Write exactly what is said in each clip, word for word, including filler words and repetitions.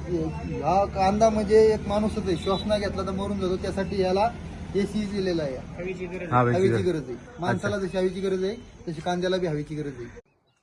हा कांदा म्हणजे एक माणूसच आहे, श्वास नाही घेतला तर मरून जातो, त्यासाठी याला एसी दिलेला आहे. हवेची गरज हवेची हवेची गरज. गरज आहे. माणसाला जशी हवेची गरज आहे तशी कांद्याला बी हवेची गरज आहे.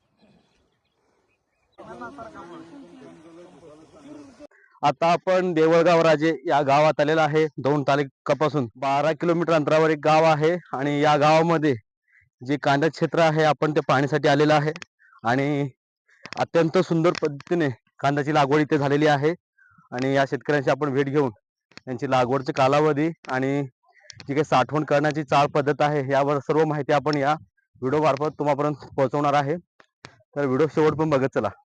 आता आपण देवळगाव राजे या गावात आलेला आहे. दौंड तालुक्यापासून बारा किलोमीटर अंतरावर एक गाव आहे आणि या गावामध्ये जे कांदा क्षेत्र आहे आपण ते पाहण्यासाठी आलेलं आहे आणि अत्यंत सुंदर पद्धतीने कांद्याची लागवड इथे झालेली आहे आणि या शेतकऱ्यांची आपण भेट घेऊन त्यांची लागवडचे कालावधी आणि जी काही साठवण करण्याची चाळ पद्धत आहे यावर सर्व माहिती आपण या व्हिडिओ मार्फत तुम्हापर्यंत पोहोचवणार आहे. तर व्हिडिओ शेवट पण बघत चला.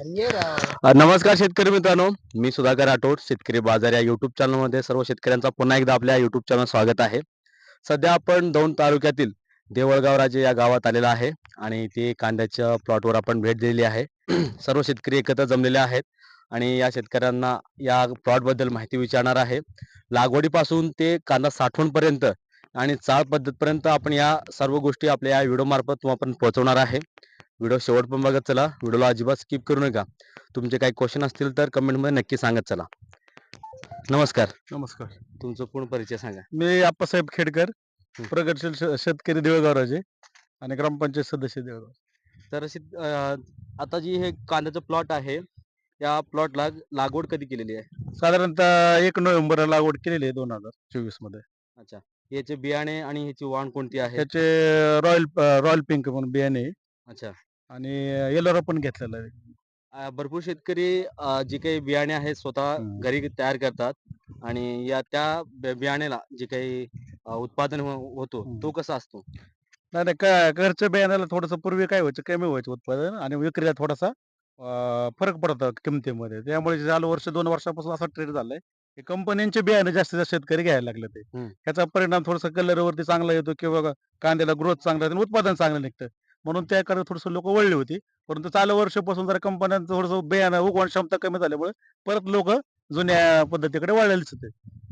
अ, नमस्कार शेतकरी मित्रांनो, मी सुधाकर राठोड. शेतकरी बाजार या युट्यूब चॅनलमध्ये सर्व शेतकऱ्यांचा पुन्हा एकदा आपल्या युट्यूब चॅनल स्वागत आहे. सध्या आपण दौंड तालुक्यातील देवळगाव राजे या गावात आलेला आहे आणि ते कांद्याच्या प्लॉटवर आपण भेट दिलेली आहे. सर्व शेतकरी एकत्र जमलेले आहेत आणि या शेतकऱ्यांना या प्लॉट बद्दल माहिती विचारणार आहे. लागवडीपासून ते कांदा साठवणपर्यंत आणि चाळ पद्धतपर्यंत आपण या सर्व गोष्टी आपल्या या व्हिडिओ मार्फत तुम्हाला पोहोचवणार आहे. व्हिडिओ शेवट पण बघत चला. व्हिडिओला अजिबात स्किप करू नका. तुमचे काही क्वेश्चन असतील तर कमेंटमध्ये नक्की सांगत चला. नमस्कार. नमस्कार. तुमचं पूर्ण परिचय सांगा. मी आप्पासाहेब खेडकर, प्रगतशील श- शेतकरी देवळगाव राजे आणि ग्रामपंचायत सदस्य देवळगाव. तर शेत- अं, आता जी हे कांद्याचं प्लॉट आहे या प्लॉटला लागवड कधी केलेली आहे? साधारणतः एक नोव्हेंबरला लागवड केलेली आहे दोन हजार चोवीस मध्ये. अच्छा. याचे बियाणे आणि ह्याची वाण कोणती आहे? त्याचे रॉयल रॉयल पिंक म्हणून बियाणे आहे अच्छा. आणि येलोरा पण घेतलेला आहे. अं, भरपूर शेतकरी अं, जी काही बियाणे आहेत स्वतः हम्म. घरी तयार करतात आणि या त्या बि- बियाण्याला जे काही अं, उत्पादन हो- होतो हम्म. तो कसा असतो? नाही नाही का घरच्या बियाण्याला थोडंसं पूर्वी काय व्हायचं, कमी व्हायचं उत्पादन आणि विक्रीला थोडासा अं, फरक पडतो किमतीमध्ये. त्यामुळे चालू वर्ष दोन वर्षापासून असा ट्रेड झालाय की कंपन्यांचे बियाणे जास्तीत जास्त शेतकरी घ्यायला लागले ते. हम्म. ह्याचा परिणाम थोडासा कलरवरती चांगला येतो किंवा कांद्याला ग्रोथ चांगला येतो आणि उत्पादन चांगलं निघतं. म्हणून त्याकडे थोडंसं लोक वळली होती. परंतु चालू वर्षापासून जरा कंपन्यांचं थोडंसं बियाणं उगवण क्षमता कमी झाल्यामुळे परत लोक जुन्या पद्धतीकडे वळलेलीच होते.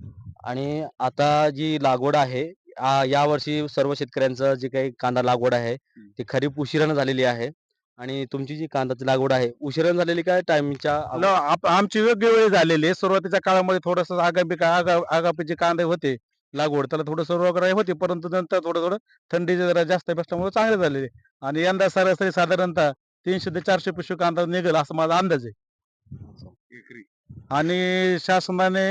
आणि आता जी लागवड आहे आ- या वर्षी सर्व शेतकऱ्यांचं जे काही कांदा लागवड आहे ती खरीप उशिरानं झालेली आहे आणि तुमची जी कांद्याची लागवड आहे उशिरानं झालेली काय टायमिंगच्या न, आप- आमची योग्य वेळ झालेली आहे. सुरुवातीच्या काळामध्ये थोडस आगामी का- आगा आगापी जे कांदे होते लागवड त्याला थोडंसं रोगराई होती, परंतु नंतर थोडं थोडं थंडी जरा जास्त बसल्यामुळे चांगले झालेले आणि यंदा सरासरी साधारणतः तीनशे ते चारशे पिशवी कांदा निघेल असा माझा अंदाज आहे. आणि शासनाने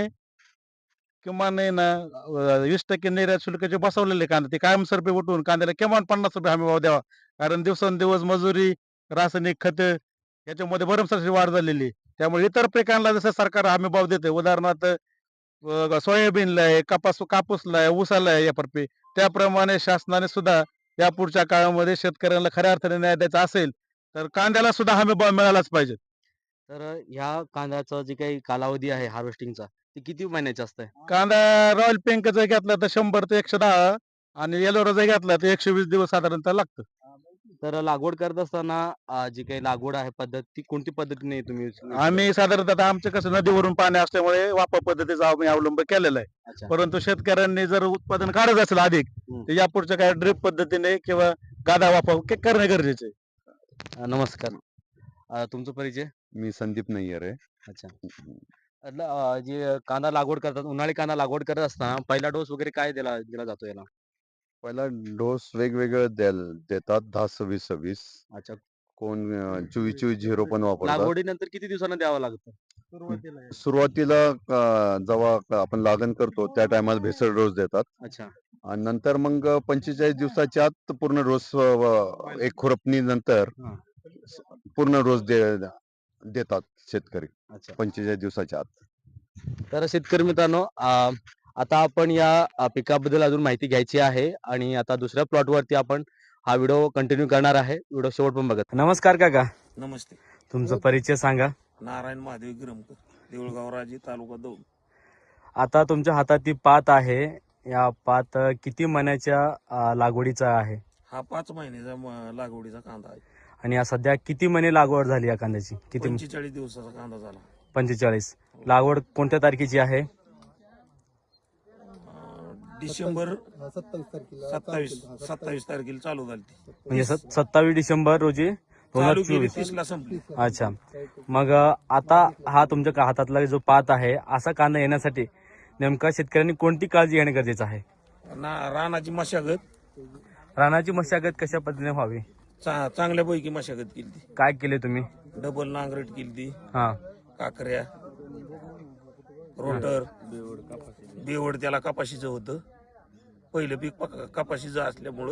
किमान आहे ना अं, वीस टक्के निर्यात शुल्क जे बसवलेले कांदे ते कायमस्वरूपी उठवून कांद्याला किमान पन्नास रुपये हमी भाव द्यावा. कारण दिवसेंदिवस मजुरी, रासायनिक खते याच्यामध्ये भरमसाठ वाढ झालेली आहे. त्यामुळे इतर पिकांना जसं सरकार हमी भाव देते, उदाहरणार्थ अं, सोयाबीनला आहे, कापूस कापूसला आहे, ऊसाला आहे याप्रमाणे, त्याप्रमाणे शासनाने सुद्धा यापुढच्या काळामध्ये शेतकऱ्यांना खऱ्या अर्थाने न्याय द्यायचा असेल तर कांद्याला सुद्धा हमी भाव मिळालाच पाहिजे. तर ह्या कांद्याचा जे काही कालावधी आहे हार्वेस्टिंगचा ते किती महिन्याचा असतंय? कांदा रॉयल पिंक जर घेतला तर शंभर ते एकशे दहा आणि येलोरा जर घेतला तर एकशे वीस दिवस साधारणतः लागतं. तर लागवड करत असताना अं, जी काही लागवड आहे पद्धत ती कोणती पद्धतीने तुम्ही use- use आम्ही साधारणतः आता आमचं कसं नदीवरून पाणी असल्यामुळे वापर पद्धतीचा आम्ही अवलंब केलेला आहे. करता? अच्छा. परंतु शेतकऱ्यांनी जर उत्पादन काढत असेल अधिक हम्म. तर यापुढच्या काय ड्रिप पद्धतीने किंवा गादा वापर के- करणे गरजेचे आहे. अं, नमस्कार. अं, तुमचा परिचय? मी संदीप नय्यर आहे. अच्छा. अं, अं, जे कांदा लागवड करतात उन्हाळी कांदा लागवड करत असताना पहिला डोस वगैरे काय दिला दिला जातो याला? पहिला डोस वेगवेगळे द्याल- देतात दहा सव्वीस सव्वीस. अच्छा. कोण अं, चोवीस चोवीस झिरो पण वापरतात. लागवडीनंतर किती दिवसांना द्यावं लागतं? सुरुवातीला सुरुवातीला अं, जेव्हा आपण लागण करतो त्या टायमाला भेसळ डोस देतात अच्छा. आणि नंतर मग पंचेचाळीस दिवसाच्या आत पूर्ण डोस अं, एक खुरपणी नंतर हा. पूर्ण डोस दे देतात शेतकरी अच्छा. पंचेचाळीस दिवसाच्या आत. तर शेतकरी मित्रांनो अं, आता आपण या अं, पिकाबद्दल अजून माहिती घ्यायची आहे आणि आता दुसऱ्या प्लॉट वरती आपण हा व्हिडिओ कंटिन्यू करणार आहे. व्हिडिओ शेवट पण बघत. नमस्कार काका. नमस्ते. तुमचा परिचय सांगा. नारायण महादेव गिरमकर, देऊळगाव राजे, तालुका दौंड. आता तुमच्या हातात ती पात आहे. या पात अं, किती महिन्याच्या अं, लागवडीचा आहे हा पाच महिन्याचा म- लागवडीचा कांदा आहे. आणि या सध्या किती महिने लागवड झाली या कांद्याची? किती? पंचेचाळीस दिवसाचा कांदा झाला. पंचेचाळीस. लागवड कोणत्या तारखेची आहे? अं, डिसेंबर सत्तावीस तारखेला सत्तावीस चालू केलं. हा, सत्तावीस तारखेला चालू झाली ती. म्हणजे सत्तावीस डिसेंबर रोजी दोन हजार चालू केली चोवीस तीसला संपली. अच्छा. मग अ, आता हा तुमच्या का- हातातला जो पात आहे असा कांदा येण्यासाठी नेमका शेतकऱ्यांनी कोणती काळजी घेणे गरजेचं आहे? ना रानाची मशागत रानाची मशागत कशा पद्धतीने व्हावी? चा- चांगल्यापैकी मशागत केली ती. काय केले तुम्ही? डबल नांगरट केली ती, हा काकऱ्या, रोटर, बेवड त्याला कपाशीचं होतं. पहिलं पीक पक- कपाशीचं असल्यामुळं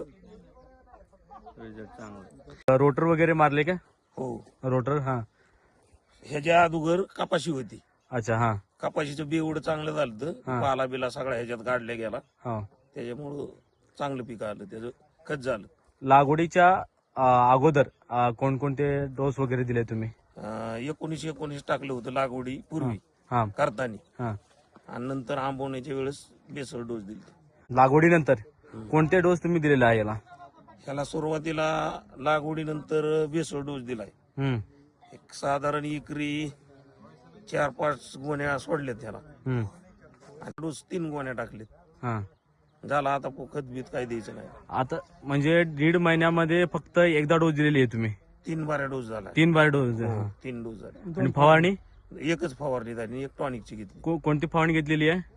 रोटर वगैरे मारले का? हो. रोटर हा ह्याच्या अगोदर कपाशी होती. अच्छा हा कपाशीचं बेवड चांगलं झालं हा. होतं. पाला बिला सगळा ह्याच्यात काढल्या गेला. हा. त्याच्यामुळं चांगलं पीक आलं, त्याचं खत झालं. लागवडीच्या अ, अगोदर अ, कोणकोणते डोस वगैरे दिले तुम्ही? अं, एकोणीस एकोणीस टाकलं होतं लागवडी पूर्वी हा करताना, हा. आणि नंतर आंबवण्याच्या वेळेस बेसळ डोस दिली. लागवडीनंतर कोणते डोस तुम्ही दिलेले आहे याला? ह्याला सुरुवातीला लागवडीनंतर बेसळ डोस दिलाय. हम्म एक साधारण एकरी चार पाच गोण्या सोडल्यात त्याला, हम्म आणि डोस तीन गोण्या टाकलेत. हा. झाला आता खत बीत काय द्यायचं नाही. आता म्हणजे दीड महिन्यामध्ये फक्त एकदा डोस दिलेली आहे तुम्ही? तीन बाऱ्या डोस झाला. तीन बार डोस. हो, हा. तीन डोस झाले. आणि फवारणी एकच फवारणी झाली, एक टॉनिकची घेतली. को- कोणती फवारणी घेतलेली आहे?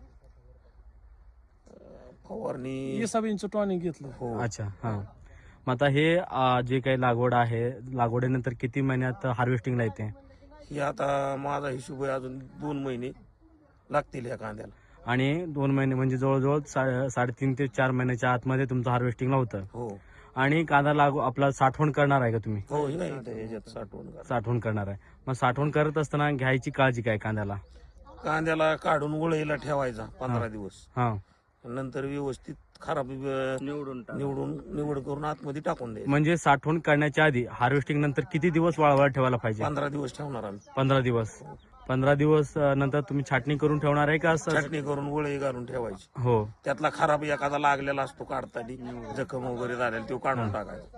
फवारणी टॉनिक घेतलं. हो. अच्छा हा. मग आता हे अ, जे काही लागवड आहे लागवडीनंतर किती महिन्यात हार्वेस्टिंगला येते? ही आता माझा हिशोब आहे अजून दोन महिने लागतील ह्या कांद्याला. आणि दोन महिने म्हणजे जवळजवळ सा- साडेतीन ते चार महिन्याच्या आतमध्ये तुमचं हार्वेस्टिंगला होतं. हो आणि कांदा लागू आपला साठवण करणार आहे का तुम्ही? हो, हे आहे इथं ह्याच्यात साठवण करा. साठवण करणार आहे. मग साठवण करत असताना घ्यायची काळजी काय कांद्याला? कांद्याला काढून वळईला ठेवायचा पंधरा दिवस, हा. नंतर व्यवस्थित खराब निवडून निवडून निवड करून आतमध्ये टाकून द्यायचं. म्हणजे साठवण करण्याच्या आधी हार्वेस्टिंग नंतर किती दिवस वाळवायला ठेवायला पाहिजे? पंधरा दिवस ठेवणार आम्ही. पंधरा दिवस. पंधरा दिवस अ, नंतर तुम्ही छाटणी करून ठेवणार आहे का असं? चटणी करून वळई घालून ठेवायची. हो. त्यातला खराब एखादा लागलेला असतो काढताना, जखम वगैरे झालेला तो काढून टाकायचा.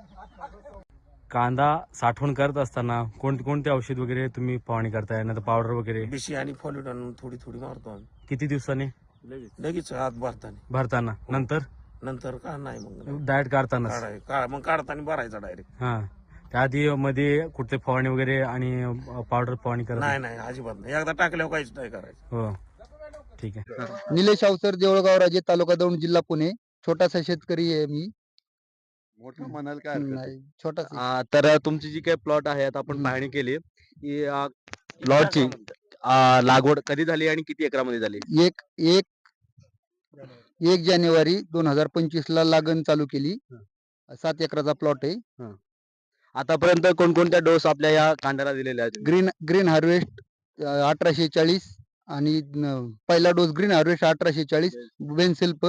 कांदा साठवण करत असताना कोणते औषध वगैरे तुम्ही फवारणी करताय? नंतर पावडर वगैरे बिशी आणि फॉलिट आणून थोडी थोडी मारतो आम्ही किती दिवसाने? लगेच हात भरताना. भरताना? नंतर नंतर का नाही मग डायरेक्ट काढताना? काढाय का मग काढताना भरायचा डायरेक्ट. हा. त्याआधी मध्ये कुठे फवारणी वगैरे आणि पावडर फवारणी करत? नाही नाही, अजिबात नाही. एकदा टाकल्यावर काहीच नाही करायचं. हो ठीक आहे. निलेश अवसर, देऊळगाव राजे, तालुका दौंड, जिल्हा पुणे. छोटासा शेतकरी आहे मी. मोठं म्हणाल काय हरकत नाही. नाही, छोटासा. आ, तर तुमची जी काही प्लॉट आहे आता आपण पाहणी केली की प्लॉटची लागवड कधी झाली आणि किती एकरामध्ये झाली? एक एक एक जानेवारी दोन हजार पंचवीस ला लागण चालू केली. सात एकराचा प्लॉट आहे. आतापर्यंत कोणकोणत्या डोस आपल्या या कांद्याला दिलेल्या आहेत? ग्रीन ग्रीन हार्वेस्ट अठराशे चाळीस आणि न- पहिला डोस ग्रीन हार्वेस्ट अठराशे चाळीस बेनसेल्प,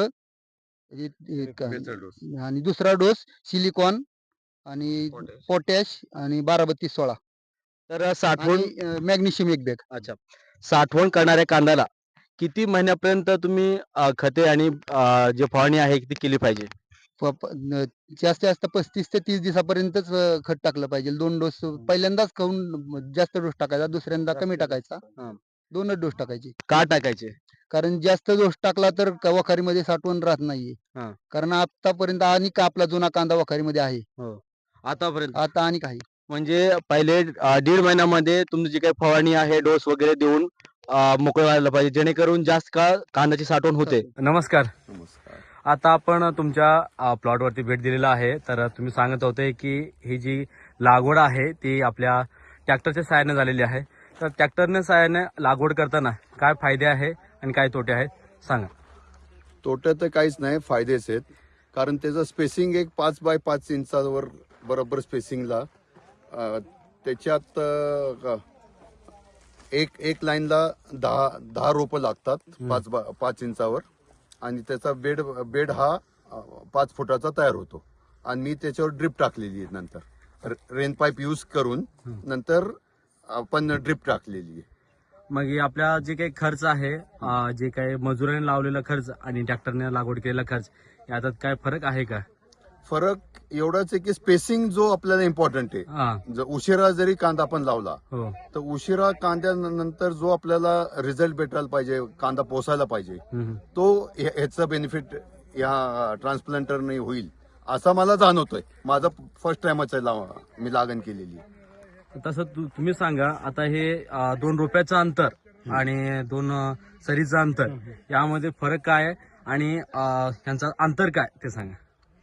बेचाळ डोस. आणि दुसरा डोस सिलिकॉन आणि पोटॅश. पोटॅश आणि बारा बत्तीस सोळा तर साठवण आणि मॅग्नेशियम एक बॅग. अच्छा. साठवण करणाऱ्या कांद्याला किती महिन्यापर्यंत तुम्ही अ, खते आणि अ, जे फवारणी आहे ती केली पाहिजे? प- प- न- जास्तीत जास्त पस्तीस ते तीस दिवसापर्यंतच अं, खत टाकलं पाहिजे. दोन डोस पहिल्यांदाच खाऊन जास्त डोस टाकायचा, दुसऱ्यांदा कमी टाकायचा. हा. दोनच डोस टाकायचे. का टाकायचे? कारण जास्त डोस टाकला तर क- वखारीमध्ये साठवण राहत नाहीये. हा. कारण आतापर्यंत आणि का आपला जुना कांदा वखारीमध्ये आहे. आतापर्यंत आता आणि काही म्हणजे पहिले अ, दीड महिन्यामध्ये तुमची जी काही फवारणी आहे डोस वगैरे देऊन अ, मोकळं व्हायला पाहिजे जेणेकरून जास्त काळ कांद्याची साठवण होते. नमस्कार. नमस्कार. आता आपण तुमच्या प्लॉटवरती भेट दिलेला आहे. तर तुम्ही सांगत होते की ही जी लागवड आहे ती आपल्या ट्रॅक्टरच्या सहाय्याने झालेली आहे. तर ट्रॅक्टरने सहाय्याने लागवड करताना काय फायदे आहे आणि काय तोटे आहेत सांगा. तोटे तर काहीच नाही, फायदेच आहेत. कारण त्याचं स्पेसिंग एक पाच बाय पाच इंचावर बरोबर स्पेसिंगला, अं, त्याच्यात अं, एक एक लाईनला दहा दहा रोपं लागतात पाच बा पाच इंचावर, आणि त्याचा बेड बेड हा अं, पाच फुटाचा तयार होतो. आणि मी त्याच्यावर ड्रिप टाकलेली आहे. नंतर रेन पाईप यूज करून नंतर आपण ड्रिप टाकलेली आहे. मग हे आपला जे काही खर्च आहे अ, जे काही मजुराने लावलेला खर्च आणि ट्रॅक्टरने लागवड केलेला खर्च यात काय फरक आहे का? फरक एवढाच आहे की स्पेसिंग जो आपल्याला इम्पॉर्टंट आहे. हा. जर उशिरा जरी कांदा आपण लावला हो. तर उशिरा कांद्यानंतर जो आपल्याला रिझल्ट भेटायला पाहिजे, कांदा पोसायला पाहिजे, हम्म. तो ह्या- ह्याचा बेनिफिट या ट्रान्सप्लांटरने होईल असा मला जाणवतोय. माझा फर्स्ट टाइमच आहे लाव- मी लागण केलेली. तसं तु- तुम्ही सांगा आता हे अं, दोन रोप्याचं अंतर आणि दोन अं, सरीचं अंतर यामध्ये फरक काय आहे आणि अं, यांचं अंतर काय ते सांगा.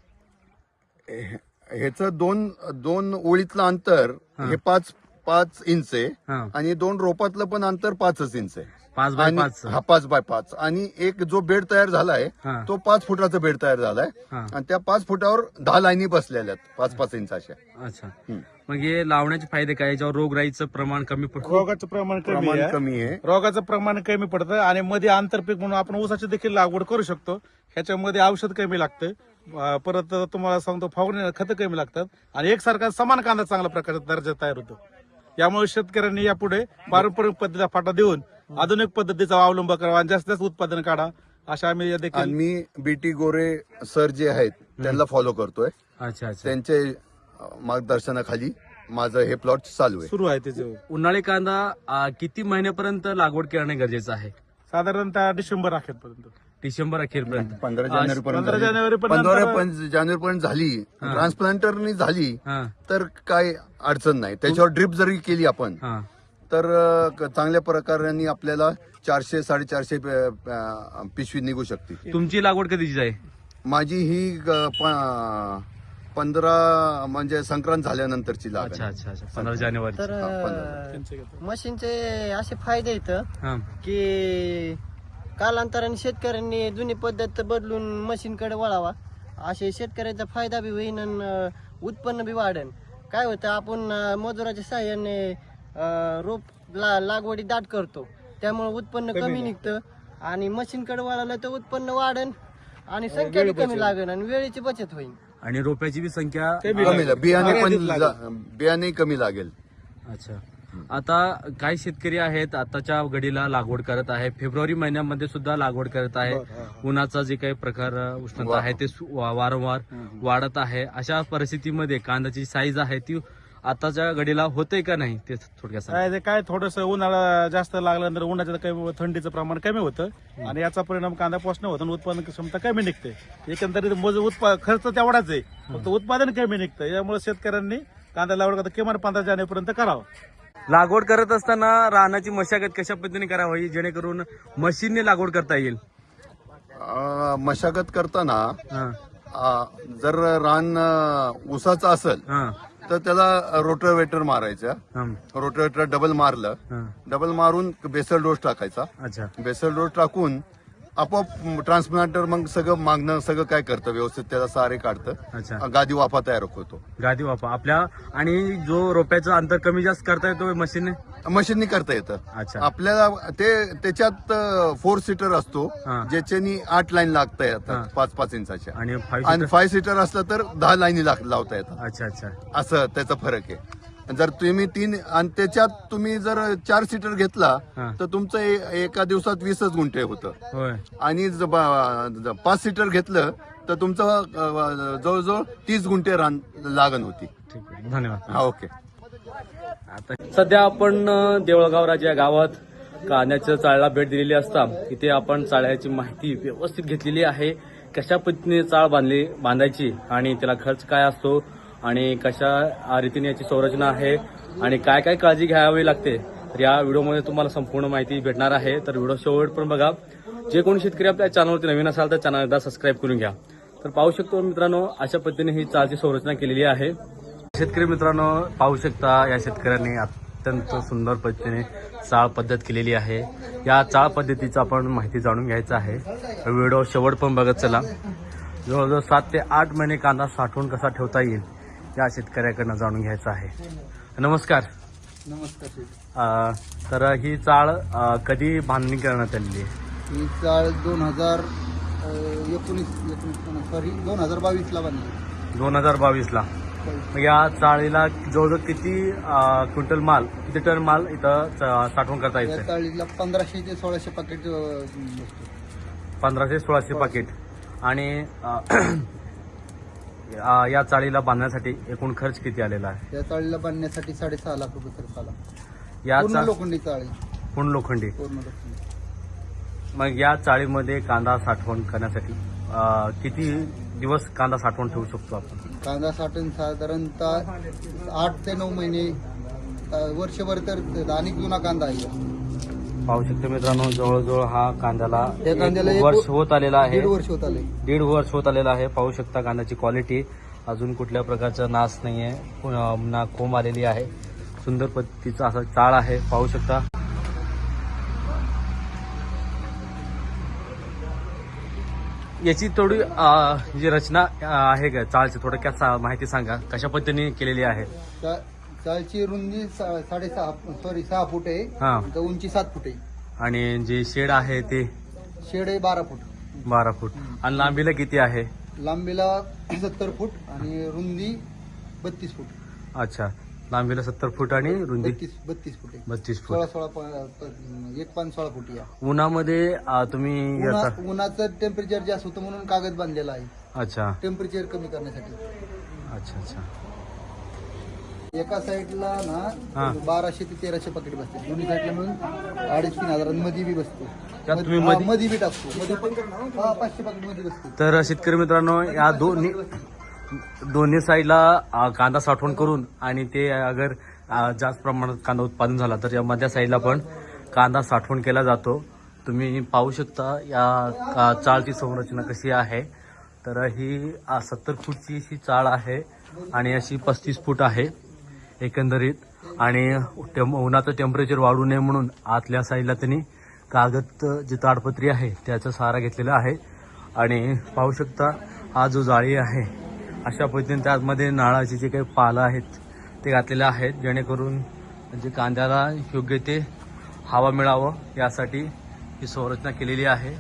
ह्याचं दोन दोन ओळीतलं अंतर हे पाच पाच इंच आहे हा आणि दोन रोपातलं पण अंतर पाचच इंच आहे. पाच बाय आणि पाच हा पाच बाय पाच आणि एक जो बेड तयार झालाय हा तो पाच फुटाचा बेड तयार झालाय हा आणि त्या पाच फुटावर दहा लाईनी बसलेल्या आहेत पाच पाच इंचाच्या. अच्छा. हम्म. मग हे लावण्याचे फायदे काय, याच्यावर रोगराईचं प्रमाण कमी पडतं. रोगाचं प्रमाण कमी प्रमाण आहे कमी आहे. रोगाचं प्रमाण कमी पडतं आणि मध्ये आंतरपीक म्हणून आपण ऊसाची देखील लागवड करू शकतो. ह्याच्यामध्ये औषध कमी लागतं. अं, परत तुम्हाला सांगतो फवारणी खतं कमी लागतात आणि एकसारखा समान कांदा चांगल्या प्रकारचा दर्जा तयार होतो. यामुळे शेतकऱ्यांनी यापुढे पारंपरिक पद्धतीला फाटा देऊन आधुनिक पद्धतीचा अवलंब करावा आणि जास्तीत जास्त उत्पादन काढा अशा आम्ही आणि देखील मी बीटी गोरे सर जे आहेत त्यांना फॉलो करतोय. अच्छा अच्छा. त्यांचे अं, मार्गदर्शनाखाली माझं हे प्लॉट चालू आहे. सुरू आहे त्याचे. उन्हाळी कांदा अं, किती महिन्यापर्यंत लागवड करणं गरजेचं आहे. साधारणतः डिसेंबर अखेरपर्यंत. डिसेंबर अखेरपर्यंत. पंधरा आ, जानेवारी पंधरा पर्यंत जानेवारी पंधरा पर्यंत जानेवारी पर्यंत झाली हा. ट्रान्सप्लांटरनी झाली हा तर काय अडचण नाही. त्याच्यावर ड्रिप जरी केली आपण हा तर अं, क- चांगल्या प्रकाराने आपल्याला चारशे साडेचारशे प- अं, पिशवी निघू शकते. तुमची लागवड कधीची आहे. माझी ही अं, प- पंधरा म्हणजे संक्रांत झाल्यानंतरची लागण अच्छा आहे. अच्छा अच्छा. पंधरा जानेवारी. तर हा, अं, मशीनचे असे फायदे आहेत हा की कालांतराने शेतकऱ्यांनी जुनी पद्धत बदलून मशीनकडे वळावा. असे शेतकऱ्याचा फायदा बी होईन आणि अं, उत्पन्न बी वाढेल. काय होतं आपण अं, मजुराच्या साह्याने अं, रोप ला लागवडी दाट करतो त्यामुळे उत्पन्न कमी निघतं आणि मशीनकडे वळालं तर उत्पन्न वाढेल आणि संख्या बी कमी लागेल आणि वेळेची बचत होईल. आणि रोप्याची बी संख्या कमी ला- बियाणे पण जा- बियाणे कमी लागेल. अच्छा. आता काही शेतकरी आहेत आताच्या घडीला लागवड करत आहे, फेब्रुवारी महिन्यामध्ये सुद्धा लागवड करत आहे. उन्हाचा जे काही प्रकार अ, उष्णता आहे ते सु- वा- वारंवार वाढत आहे. अशा परिस्थितीमध्ये कांद्याची साईज आहे ती आताच्या घडीला होते का नाही ते थोडक्यात सांगा. काय ते काय थोडस उन्हाळा जास्त लागल्यानंतर उन्हाचं कमी थंडीचं प्रमाण कमी होतं आणि याचा परिणाम कांदा पोषण होतं आणि उत्पादन क्षमता कमी निघते. एकंदरीत मजूर उत्पा खर्च तेवढाच आहे फक्त उत्पादन कमी निघतं. यामुळे शेतकऱ्यांनी कांदा लागवड करता किमान पंधरा जानेवारीपर्यंत करावं. लागवड करत असताना रानाची मशागत कशा पद्धतीने करावी जेणेकरून मशीनने लागवड करता येईल. अं, मशागत करताना हा अं, जर रान अं, ऊसाचं असेल हा तर त्याला रोटरवेटर मारायचं. हा रोटरवेटर डबल मारलं हा. डबल मारून बेसल डोस टाकायचा. अच्छा बेसल डोस टाकून आपोआप ट्रान्सप्लांटर मग सगळं मागणं सगळं काय करतं व्यवस्थित त्याला सारे काढतं. अच्छा. गादी वाफा तयार होतो. गादी वापा आपल्या आणि जो रोप्याचं अंतर कमी जास्त करता येतो मशीनने. मशीननी करता येतं. अच्छा. आपल्याला ते त्याच्यात फोर सीटर असतो हा. ज्याच्यानी आठ लाईन लागता हा. येतात पाच पाच इंचाच्या आणि आणि फाईव्ह फाय सीटर असलं तर दहा लाईनी लाग- लावता येतात. अच्छा अच्छा असं त्याचा फरक आहे. जर तुम्ही तीन आणि त्याच्यात तुम्ही जर चार सीटर घेतला हा. तर तुमचं ए- एका दिवसात वीसच गुंठे होतं होय. आणि ज- ब- ज- पाच सीटर घेतलं तर तुमचं अ, जवळजवळ तीस गुंठे रान लागण होती. ठीक आहे धन्यवाद. हा ओके. आता सध्या आपण अ, देवळगाव राजा या गावात कांद्याच्या चाळला भेट दिलेली असता इथे आपण चाळ्याची माहिती व्यवस्थित घेतलेली आहे. कशा पद्धतीने चाळ बांधली बांधायची आणि त्याला खर्च काय असतो आणि कशा रीतीने याची संरचना आहे आणि काय काय काळजी घ्यावी लागते तर या व्हिडिओमध्ये तुम्हाला संपूर्ण माहिती भेटणार आहे. तर व्हिडिओ शेवट पण बघा. जे कोणी शेतकरी आपल्या चॅनलवरती नवीन असाल तर चॅनल एकदा सबस्क्राईब करून घ्या. तर पाहू शकतो मित्रांनो अशा पद्धतीने ही चाळची संरचना केलेली आहे. शेतकरी मित्रांनो पाहू शकता या शेतकऱ्यांनी अत्यंत सुंदर पद्धतीने चाळ पद्धत केलेली आहे. या चाळ पद्धतीचं आपण माहिती जाणून घ्यायचं आहे. व्हिडिओ शेवट पण बघत चला. जवळजवळ सात ते आठ महिने कांदा साठवून कसा ठेवता येईल या शेतकऱ्याकडनं जाणून घ्यायचं आहे. नमस्कार. नमस्कार. अ, तर ही चाळ अ, कधी बांधणी करण्यात आलेली आहे. ही चाळ दोन हजार एकोणीस एकोणीस सॉरी दोन हजार बावीसला बांधली. दोन हजार बावीसला. मग या चाळीला जवळजवळ किती अ, क्विंटल माल किती टन माल इथं च- साठवण करता या येतं. चाळीला पंधराशे ते सोळाशे पाकिट पंधराशे सोळाशे पाकिट. आणि अ, अ, या चाळीला बांधण्यासाठी एकूण खर्च किती आलेला आहे. या चाळीला बांधण्यासाठी साडेसहा लाख रुपये खर्च आला. या पूर्ण चा- लोखंडी चाळी पूर्ण लोखंडी. पूर्ण लोखंडी. मग या चाळीमध्ये कांदा साठवण करण्यासाठी अ, किती दिवस कांदा साठवून ठेवू शकतो आपण? कांदा साठवून साधारणतः आठ ते नऊ महिने, अं, वर्षभर तर अनेक जुना कांदा आहे. पाहू शकतो मित्रांनो, जवळजवळ हा कांद्याला या कांद्याला एक एक वर्ष होत आलेला आहे. दीड वर्ष होत आले. दीड वर्ष होत आलेला आहे. पाहू शकता कांद्याची क्वालिटी, अजून कुठल्या प्रकारचा नाश नाहीये, पुन्हा- ना कोंब आलेली आहे. सुंदर पद्धतीचा असा चाळ आहे, पाहू शकता. याची थोडी अं, जी रचना अं, आहे का चाळची, थोडक्यात सा- माहिती सांगा, कशा पद्धतीने केलेली आहे? चा- चाळची रुंदी सा- साडेसहा सॉरी सहा फूट आहे, हा. तर उंची सात फूट आहे. आणि जे शेड आहे ते शेड आहे बारा फूट. बारा फूट. आणि लांबीला किती आहे? लांबीला सत्तर फूट आणि रुंदी बत्तीस फूट. अच्छा, लांबीला सत्तर फूट आणि रुंदी बत्तीस बत्तीस फूट आहे. बत्तीस सोळा फूट. सोळा प- प- एक पाच सोळा फूट या. उन्हामध्ये अं, तुम्ही उन्हा- याचा उन्हाचं टेम्परेचर जास्त होतं म्हणून कागद बांधलेला आहे, अच्छा टेम्परेचर कमी करण्यासाठी. अच्छा अच्छा एका साईडला हा. ना बाराशे ते तेराशे पाकिट बसते, दोन्ही साईडला मिळून अडीच तीन हजार मध्ये बी बसतो. त्यात तुम्ही हा, मध्ये- मध्ये बी टाकतो, मध्ये पण हा, पाचशे पाकिट मध्ये बसतो. तर शेतकरी मित्रांनो, या दोन्ही दोन्ही साईडला अ, कांदा साठवण करून आणि ते अगर अ, जास्त प्रमाणात कांदा उत्पादन झाला तर या मध्य साईडला पण कांदा साठवण केला जातो. तुम्ही पाहू शकता या का- चाळची संरचना कशी आहे. तर ही सत्तर फूटची ही चाळ आहे आणि अशी पस्तीस फूट आहे एकंदरीत. आणि टेम उन्हाचं टेम्परेचर वाढू नये म्हणून आतल्या साईडला त्यांनी कागद जी ताडपत्री आहे त्याचा सहारा घेतलेला आहे. आणि पाहू शकता हा जो जाळी आहे अशा पद्धतीने त्यामध्ये नाळाचे जे काही पालं आहेत ते घातलेले आहेत, जेणेकरून म्हणजे कांद्याला योग्य ते हवा मिळावं यासाठी ही संरचना केलेली आहे.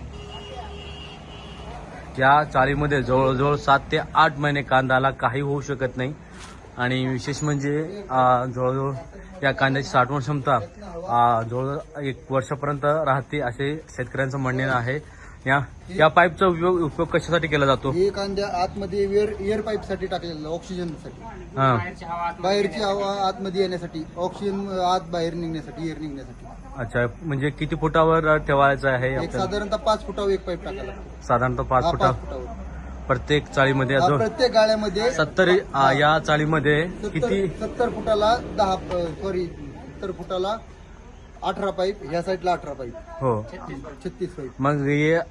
या चाळीमध्ये जवळजवळ सात ते आठ महिने कांद्याला काही होऊ शकत नाही. आणि विशेष म्हणजे अं, जवळजवळ या कांद्याची साठवण क्षमता अं, जवळजवळ एक वर्षापर्यंत राहते असे शेतकऱ्यांचं म्हणणे आहे. या या पाईपचा उपयोग उपयोग कशासाठी केला जातो? हे कांद्या आतमध्ये एअर एअर पाईप साठी टाकलेलं, ऑक्सिजनसाठी. हा, बाहेरची हवा आतमध्ये येण्यासाठी, ऑक्सिजन आत बाहेर निघण्यासाठी, एअर निघण्यासाठी. अच्छा, म्हणजे किती फुटावर ठेवायचं आहे एक आपल्याला? साधारणतः पाच फुटावर एक पाईप टाकायला लागतो. साधारणतः पाच हा, फुटा पाच फुटावर. प्रत्येक चाळीमध्ये. हा, जो प्रत्येक गाळ्यामध्ये सत्तर अं, या चाळीमध्ये किती? सत्तर सत्तर फुटाला दहा सॉरी सत्तर फुटाला अठरा पाईप, ह्या साईडला अठरा पाईप, हो. छत्तीस पाईप. मग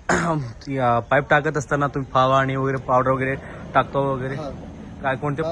हे या पाईप टाकत असताना तुम्ही फवारणी वगैरे पावडर वगैरे टाकतो वगैरे हा. काय कोणते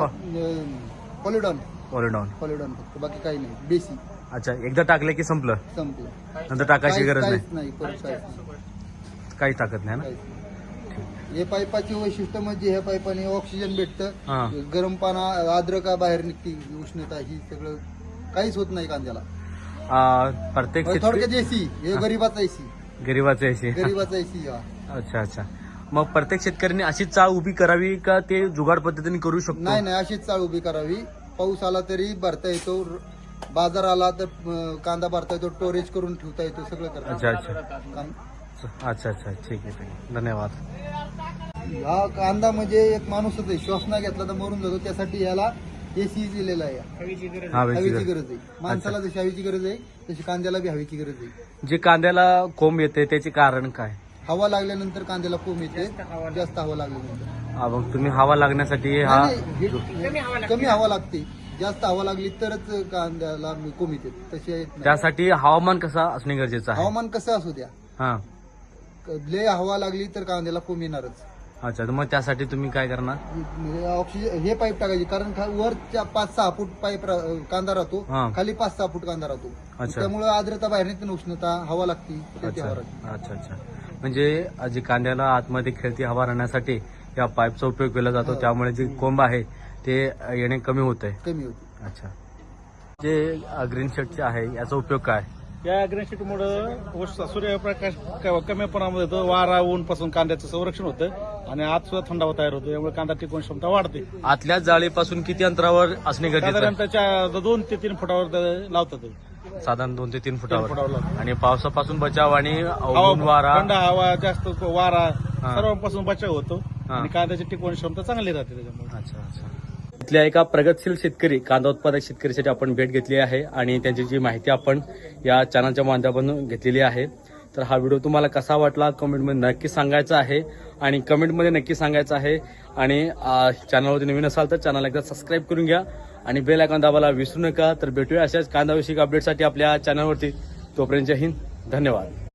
पॉलिडॉन पॉलिडॉन? पॉलिडॉन फक्त, बाकी काही नाही. बेसी अच्छा, एकदा टाकले की संपलं, संपलं. नंतर टाकायची काहीच- गरज नाही? काहीच नाही, परत काहीच नाही, काही टाकत नाही ना? काहीच नाही. हे पाईपाची वैशिष्ट्य म्हणजे ह्या पाईपाने ऑक्सिजन हा. भेटतं, गरम पाना आर्द्रता बाहेर निघते, उष्णता ही सगळं काहीच होत नाही कांद्याला. अं, प्रत्येक थोडक्यात शेतकरी एसी, हे गरीबाचा एसी, गरीबाचे असे. गरीबाचा एसी. हा, अच्छा अच्छा. मग प्रत्येक शेतकऱ्यांनी अशीच चाळ उभी करावी का ते जुगाड पद्धतीने करू शकतो? नाही नाही, अशीच चाळ उभी करावी. पाऊस आला तरी भरता येतो, बाजार आला तर अं, कांदा भरता येतो, स्टोरेज करून ठेवता येतो, सगळं करता अच्छा अच्छा येतं. अच्छा अच्छा, ठीक आहे ठीक आहे, धन्यवाद. हा कांदा म्हणजे एक माणूसच आहे, श्वास नाही घेतला तर मरून जातो, त्यासाठी याला एसी दिलेला आहे. हवेची हवेची गरज. गरज आहे. माणसाला जशी हवेची गरज आहे तशी कांद्याला बी हवेची गरज आहे. जे कांद्याला कोंब येते त्याचे कारण काय? हवा लागल्यानंतर कांद्याला कोंब येते, जास्त हवा लागल्यानंतर. हा, मग तुम्ही हवा लागण्यासाठी हा नाही, नाही, हे- कमी हवा लागते, जास्त हवा लागली तरच कांद्याला कोंब येते, तशी येत नाही. त्यासाठी हवामान कसं असणे गरजेचं आहे? हवामान कसं असू द्या, हा, लय हवा लागली तर कांद्याला कोंब येणारच. अच्छा. तर मग त्यासाठी तुम्ही काय करणार? ऑक्सिजन हे पाईप टाकायचे, कारण खा- वरच्या पाच सहा फूट पाईप रा- कांदा राहतो, हा. खाली पाच सहा फूट कांदा राहतो. अच्छा. त्यामुळे आर्द्रता बाहेर निघते, उष्णता हवा लागते, त्याची हवा लागते. अच्छा अच्छा अच्छा. म्हणजे जे कांद्याला आतमध्ये खेळती हवा राहण्यासाठी या पाईपचा उपयोग केला जातो, हो. त्यामुळे जे कोंब आहे ते येणे कमी होत आहे. कमी होते. अच्छा. जे ग्रीन शेडचे आहे याचा उपयोग काय? या ग्रेनशीटमुळं सूर्यप्रकाश क- कमी प्रमाणामध्ये येतो, वारा ऊन पासून कांद्याचं संरक्षण होतं आणि आत सुद्धा थंडावा तयार होतो, यामुळे कांदा टिकवून क्षमता वाढते. आतल्या जाळीपासून किती अंतरावर असणे गरजेचं साधारण आहे? त्याच्या दोन ते तीन फुटावर ते लावतात ते. साधारण दोन ते तीन तीन फुटावर फुटावर. लावतात. आणि पावसापासून बचाव आणि हवा ऊन वारा. थंड हवा, जास्त वारा हा. सर्वांपासून बचाव होतो हा. आणि कांद्याची टिकवण क्षमता चांगली राहते त्याच्यामुळे. अच्छा अच्छा. इथल्या एका प्रगतशील शेतकरी कांदा उत्पादक शेतकऱ्यासाठी आपण भेट घेतली आहे आणि त्यांची जी माहिती आपण या चॅनलच्या माध्यमातून घेतलेली आहे. तर हा व्हिडिओ तुम्हाला कसा वाटला कमेंटमध्ये नक्की सांगायचा आहे आणि कमेंटमध्ये नक्की सांगायचं आहे आणि चॅनलवरती नवीन असाल तर चॅनल एकदा सबस्क्राईब करून घ्या आणि बेल आयकॉन दाबायला विसरू नका. तर भेटूया अशाच कांदा विषयक अपडेटसाठी आपल्या चॅनलवरती. तोपर्यंत जय हिंद, धन्यवाद.